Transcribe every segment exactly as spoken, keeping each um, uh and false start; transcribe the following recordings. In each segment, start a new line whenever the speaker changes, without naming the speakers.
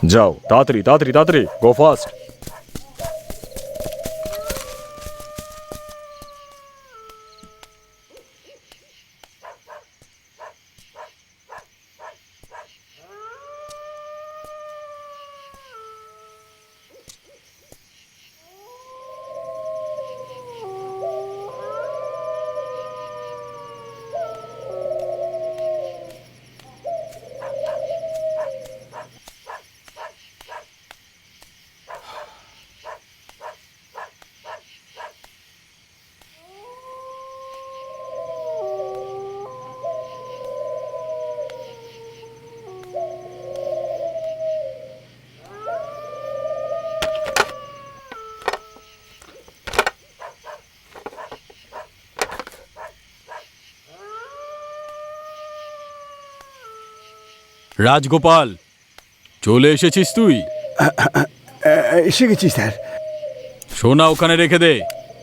যাও তাড়াতাড়ি তাড়াতাড়ি তাড়াতাড়ি, গো ফাস্ট।
রাজগোপাল, চলে এসেছিস তুই?
এসে গেছি স্যার।
সোনা ওখানে রেখে দে।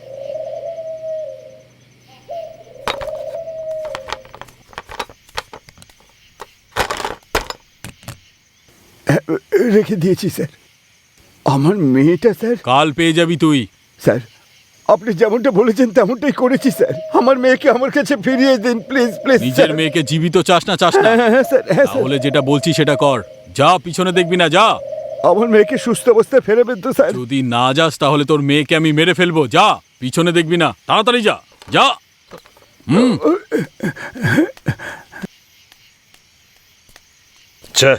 রেখে দিয়েছি স্যার। আমার মেয়েটা স্যার।
কাল পেয়ে যাবি তুই।
স্যার আপনি যেমনটা বলেছেন তেমনটাই করেছি স্যার। আমার মেয়েকে আমার কাছে ফিরিয়ে দিন প্লিজ প্লিজ।
নিজের মেয়েকে জীবিত চাস না চাস না?
হ্যাঁ স্যার, হ্যাঁ স্যার।
তাহলে যেটা বলছি সেটা কর। যা, পিছনে দেখবি না, যা।
আমার মেয়েকে সুস্থ অবস্থায় ফেরাবেন তো স্যার?
যদি না যাস তাহলে তোর মেয়েকে আমি মেরে ফেলবো। যা, পিছনে দেখবি না, তাড়াতাড়ি যা, যা। হুম।
ছে,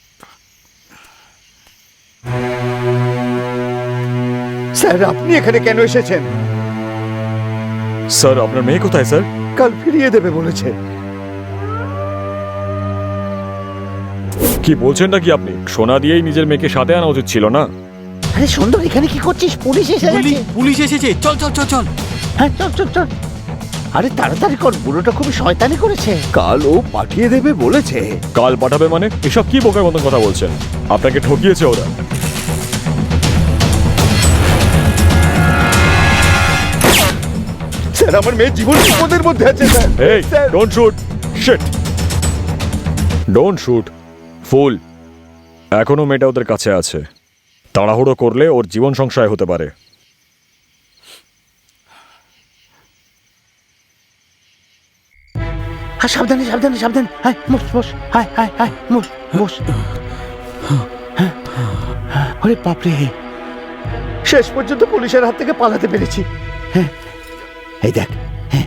স্যার আপনি এখানে কেন এসেছেন?
স্যার আপনার মেয়ে কোথায় স্যার?
কাল ফিরিয়ে দেবে বলেছে।
কি বলছেন নাকি আপনি? সোনা দিয়েই নিজের মেয়েকে সাথে আনা উচিত ছিল না?
আরে সুন্দর, এখানে কি করছিস? পুলিশ এসে
বলি,
গেছে।
পুলিশ এসেছে, চল চল চল চল।
হ্যাঁ চল চল চল। আরে তাড়াতাড়ি কর, বুড়োটা খুবই শয়তানি করেছে।
কাল ও পাঠিয়ে দেবে বলেছে।
কাল পাঠাবে মানে? এসব কি বোকার মতন কথা বলছেন? আপনাকে ঠকিয়েছে ওরা।
স্যার আমার মেয়ে জীবন বিপদের মধ্যে আছে স্যার।
এই,
sir
don't shoot. Shit, don't shoot. ফুল। এখনো মেয়েটা ওদের কাছে আছে। তাড়াহুড়ো করলে ওর জীবন সংশয় হতে পারে।
হ্যাঁ সাবধানে সাবধানে সাবধানে। Hi boss boss. Hi hi hi boss boss. হ্যাঁ, আরে বাপরে,
শেষ পর্যন্ত পুলিশের হাত থেকে পালাতে পেরেছি।
হ্যাঁ এই দেখ, হ্যাঁ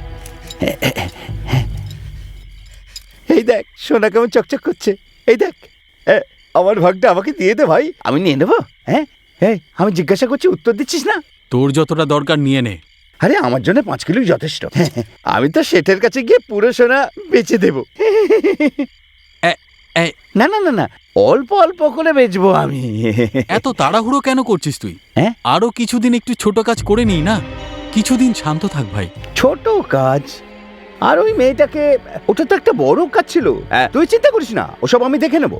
এই দেখ সোনা কেমন চকচক করছে। এই দেখ, এ, আমার ভাগটা আমাকে দিয়ে দে ভাই।
আমি নিয়ে নেবো। হ্যাঁ
হ্যাঁ আমি জিজ্ঞাসা করছি, উত্তর দিচ্ছিস না?
তোর যতটা দরকার নিয়ে নে।
আরে আমার জন্য পাঁচ কিলোই যথেষ্ট। আমি তো শেঠের কাছে গিয়ে পুরো সোনা বেচে দেবো।
এ- এ-
না না না না, অল্প অল্প করে বেচবো আমি।
এত তাড়াহুড়ো কেন করছিস তুই?
হ্যাঁ?
আরো কিছুদিন একটু ছোট কাজ করে নিই না। কিছুদিন শান্ত থাক ভাই।
ছোট কাজ? আর ওই মেয়েটাকে, ওটা তো একটা বড় কাজ ছিল। হ্যাঁ, তুই চিন্তা করিস না, ওসব আমি দেখে নেব।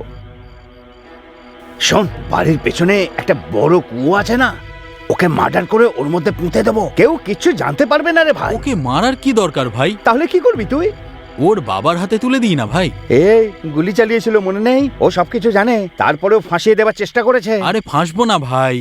শোন, বাড়ির পেছনে একটা বড় কুয়ো আছে না, ওকে মার্ডার করে ওর মধ্যে পুঁতে দেবো। কেউ কিচ্ছু জানতে পারবে না রে ভাই।
ওকে মারার কি দরকার ভাই?
তাহলে কি করবি তুই?
ওর বাবার হাতে তুলে দিই না ভাই।
এই গুলি চালিয়েছিল মনে নেই? ও সবকিছু জানে, তারপরেও ফাঁসিয়ে দেওয়ার চেষ্টা করেছে।
আরে ফাঁসবো না ভাই।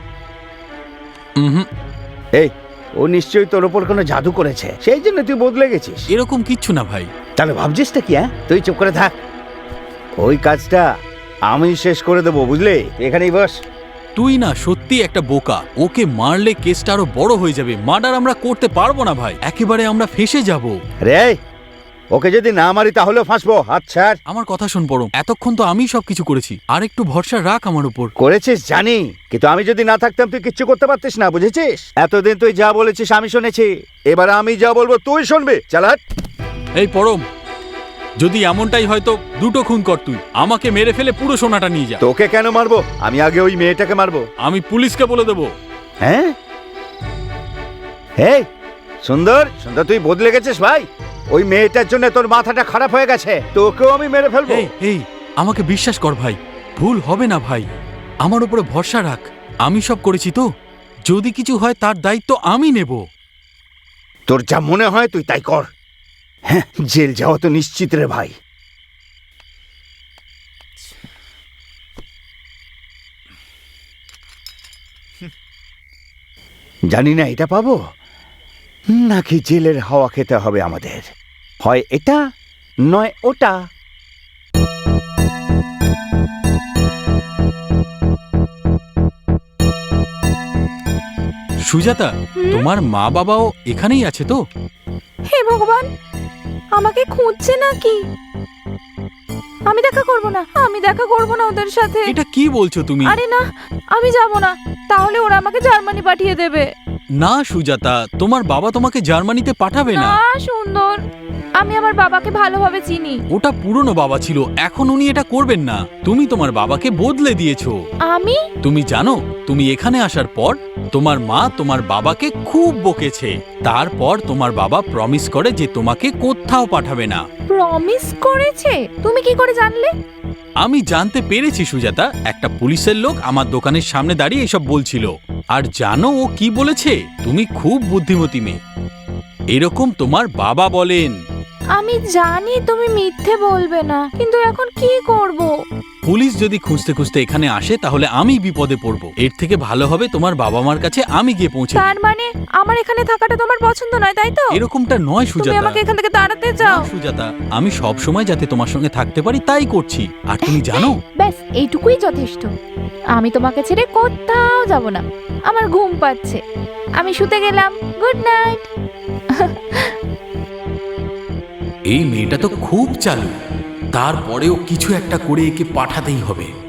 হুম,
এই ও নিশ্চয়ই তোর ওপর কোনো জাদু করেছে, সেই জন্য তুই বদলে গেছিস।
এরকম কিচ্ছু না ভাই।
তাহলে ভাবছিসটা কি? হ্যাঁ, তুই চুপ করে থাক। ওই কাজটা আমি শেষ করে দেবো, বুঝলি? এখানেই বস।
তুই না সত্যি একটা বোকা। ওকে মারলে কেসটা আরো বড় হয়ে যাবে। মার্ডার আমরা করতে পারবো না ভাই, একেবারে আমরা ফেসে যাব।
রে, ওকে যদি না মারি তাহলেও ফাঁসবো। আচ্ছা
আমার কথা শোন পরম, এতক্ষণ তো আমি সবকিছু করেছি, আর একটু ভরসা রাখ আমার উপর।
করেছিস জানি, কিন্তু আমি যদি না থাকতাম তুই কিচ্ছু করতে পারতিস না, বুঝেছিস? এতদিন তুই যা বলেছিস আমি শুনেছি, এবার আমি যা বলবো তুই শুনবি। চাল হাট।
এই পরম, যদি এমনটাই হয়তো দুটো খুন কর তুই, আমাকে মেরে ফেলে পুরো সোনাটা নিয়ে যা।
তোকে কেন মারবো? আমি আগে ওই মেয়েটাকে মারবো।
আমি পুলিশকে বলে দেবো।
হ্যাঁ, এই সুন্দর সুন্দর, তুই বদলে গেছিস ভাই। ওই মেয়েটার জন্য তোর মাথাটা খারাপ হয়ে গেছে, তোকেও আমি মেরে ফেলবো।
এই এই আমাকে বিশ্বাস কর ভাই, ভুল হবে না ভাই। আমার উপরে ভরসা রাখ, আমি সব করেছি তো। যদি কিছু হয় তার দায়িত্ব আমি নেব।
তোর যা মনে হয় তুই তাই কর। হ্যাঁ, জেল যাওয়া তো নিশ্চিত রে ভাই। জানি না এটা পাবো নাকি জেলের হাওয়া খেতে হবে আমাদের। হয় এটা নয় ওটা।
সুজাতা, তোমার মা বাবাও এখানেই আছে তো?
হে ভগবান, আমাকে খুঁজছে নাকি? আমি দেখা করব না, আমি দেখা করব না ওদের সাথে।
এটা কি বলছো তুমি?
আরে না, আমি যাব না, তাহলে ওরা আমাকে জার্মানি পাঠিয়ে দেবে।
না সুজাতা, তোমার বাবা তোমাকে জার্মানিতে পাঠাবে না।
না সুন্দর, আমি আমার বাবাকে ভালোভাবে চিনি।
ওটা পুরনো বাবা ছিল, এখন উনি এটা করবেন না। তুমি তোমার বাবাকে বদলে দিয়েছো।
আমি?
তুমি জানো, তুমি এখানে আসার পর তোমার মা তোমার বাবাকে খুব বকেছে। তারপর তোমার বাবা প্রমিস করে যে তোমাকে কোথাও পাঠাবে না।
প্রমিস করেছে? তুমি কি করে জানলে?
আমি জানতে পেরেছি সুজাতা, একটা পুলিশের লোক আমার দোকানের সামনে দাঁড়িয়ে এসব বলছিল। আর জানো ও কি বলেছে? তুমি খুব বুদ্ধিমতী মেয়ে, এরকম তোমার বাবা বলেন।
আমি জানি তুমি মিথ্যে বলবে না, কিন্তু এখন কি করব?
পুলিশ যদি খুঁজতে খুঁজতে এখানে আসে তাহলে আমি বিপদে পড়ব। এর থেকে ভালো হবে তোমার বাবা মার কাছে আমি গিয়ে পৌঁছে দিই।
তার মানে আমার এখানে থাকাটা তোমার পছন্দ নয়, তাই তো?
এরকমটা নয়
তুমি
সুজাতা।
আমাকে এখান থেকে তাড়াতে
না,
চাও?
সুজাতা, আমি সব সময় যাতে তোমার সঙ্গে থাকতে পারি তাই করছি। আর তুমি জানো,
ব্যাস এইটুকুই যথেষ্ট। আমি তোমাকে ছেড়ে কোথাও যাব না। আমার ঘুম পাচ্ছে, আমি শুতে গেলাম। Good night.
এই মেয়েটা তো খুব চালু, তারপরেও কিছু একটা করে একে পাঠাতেই হবে।